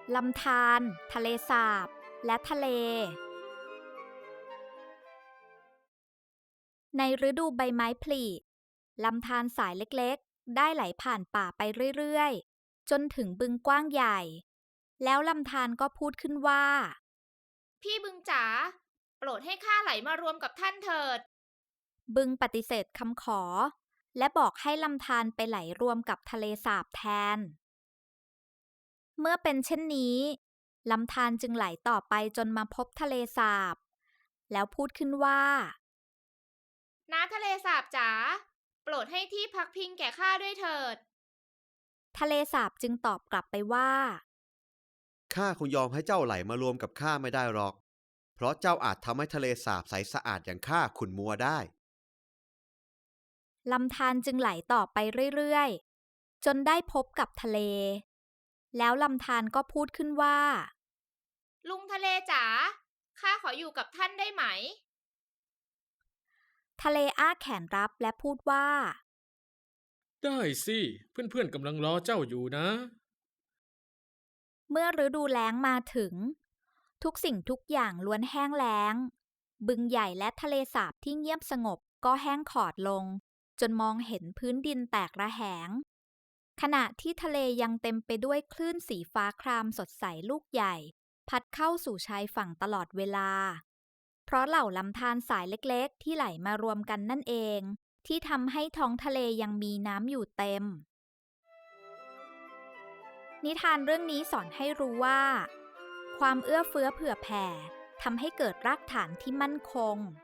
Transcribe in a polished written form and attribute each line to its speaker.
Speaker 1: ลำธาร ทะเลสาบ และทะเล ในฤดูใบไม้ผลิลำธารสายเล็กๆได้ไหลผ่านป่าไปเรื่อยๆจนถึงบึงกว้างใหญ่ แล้วลำธารก็พูดขึ้นว่า
Speaker 2: พี่บึงจ๋าโปรดให้ข้าไหลมารวมกับท่านเถิด
Speaker 1: บึงปฏิเสธคำขอ และบอกให้ลำธารไปไหลรวมกับทะเลสาบแทน เมื่อเป็นเช่นนี้ลำธารจึงไหลต่อไปจนมาพบทะเลสาบ แล้วพูดขึ้นว่า
Speaker 2: น้าทะเลสาบจ๋าโปรดให้ที่พักพิงแก่ข้าด้วยเถิด
Speaker 1: ทะเลสาบจึงตอบกลับไปว่า
Speaker 3: ข้าคงยอมให้เจ้าไหลมารวมกับข้าไม่ได้หรอก เพราะเจ้าอาจทำให้ทะเลสาบใสสะอาดอย่างข้าขุ่นมัวได้
Speaker 1: ลำธารจึงไหลต่อไปเรื่อยๆจนได้พบกับทะเล แล้วลำธารก็พูดขึ้นว่า
Speaker 2: ลุงทะเลจ๋าข้าขออยู่กับท่านได้ไหม
Speaker 1: ทะเลอ้าแขนรับและพูดว่า
Speaker 4: ได้สิเพื่อนๆกำลังรอเจ้าอยู่นะ
Speaker 1: เมื่อฤดูแล้งมาถึง ทุกสิ่งทุกอย่างล้วนแห้งแล้ง บึงใหญ่และทะเลสาบที่เงียบสงบก็แห้งขอดลง จนมองเห็นพื้นดินแตกระแหง ขณะที่ทะเลยังเต็มไปด้วยคลื่นสีฟ้าครามสดใสลูกใหญ่ พัดเข้าสู่ชายฝั่งตลอดเวลา เพราะเหล่าลำธารสายเล็กๆที่ไหลมารวมกันนั่นเอง ที่ทำให้ท้องทะเลยังมีน้ำอยู่เต็ม นิทานเรื่องนี้สอนให้รู้ว่า ความเอื้อเฟื้อเผื่อแผ่ทำให้เกิดรากฐานที่มั่นคง